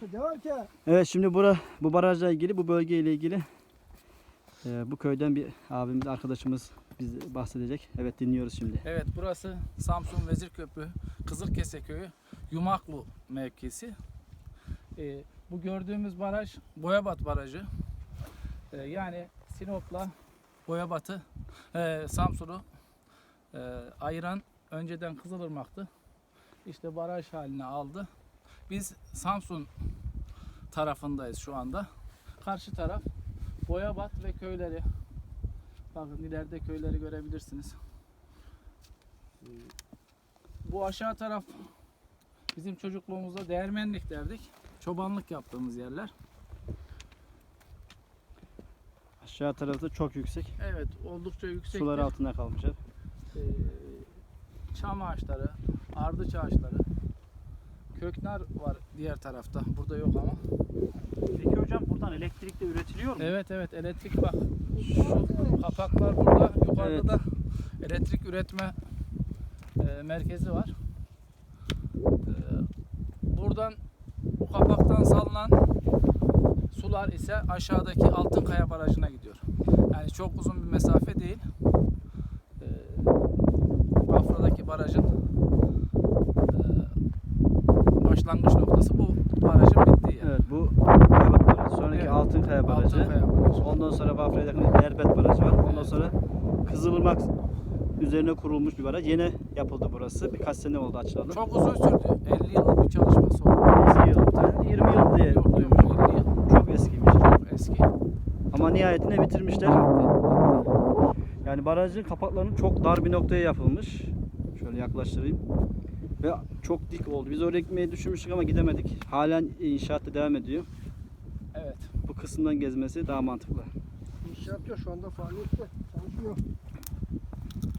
Devam ki. Evet, şimdi bu barajla ilgili, bu bölgeyle ilgili bu köyden bir abimiz, arkadaşımız bize bahsedecek. Evet, dinliyoruz şimdi. Evet, burası Samsun Vezirköprü Kızılkese Köyü Yumaklu mevkisi. Bu gördüğümüz baraj Boyabat Barajı. Yani Sinop'la Boyabat'ı, Samsun'u ayıran önceden Kızılırmak'tı. İşte baraj haline aldı. Biz Samsun tarafındayız şu anda. Karşı taraf Boyabat ve köyleri. Bakın ileride köyleri görebilirsiniz. Bu aşağı taraf bizim çocukluğumuzda değirmenlik derdik. Çobanlık yaptığımız yerler. Aşağı tarafta çok yüksek. Evet, oldukça yüksek. Sular altında kalmışlar. Çam ağaçları, ardıç ağaçları, köknar var diğer tarafta. Burada yok ama. Peki hocam, buradan elektrik de üretiliyor mu? Evet, elektrik bak. Şu kapaklar burada, yukarıda Evet. da elektrik üretme merkezi var. Buradan, bu kapaktan salınan sular ise aşağıdaki Altınkaya Barajı'na gidiyor. Yani çok uzun bir mesafe değil. Bafra'daki barajın başlangıç noktası bu barajın bittiği yer. Evet, bu Boyabat Barajı. Sonraki Evet. Altınkaya Barajı. Altınkaya Barajı. Ondan sonra Bafra'ya yakın Erbet Barajı var. Ondan sonra Kızılırmak üzerine kurulmuş bir baraj. Yeni yapıldı burası. Birkaç sene oldu açılalı. Çok uzun sürdü. 50 yıllık bir çalışması oldu. Eski yıl. 20 yıl diye Yok, duymuştum. 50 yıl. Çok eskiymiş. Çok eski. Ama nihayetinde bitirmişler. Yani barajın kapaklarının çok dar bir noktaya yapılmış. Şöyle yaklaştırayım. Ve çok dik oldu. Biz oraya gitmeyi düşünmüştük ama gidemedik. Halen inşaat devam ediyor. Evet. Bu kısımdan gezmesi daha mantıklı. İnşaat yok şu anda, faaliyette çalışıyor.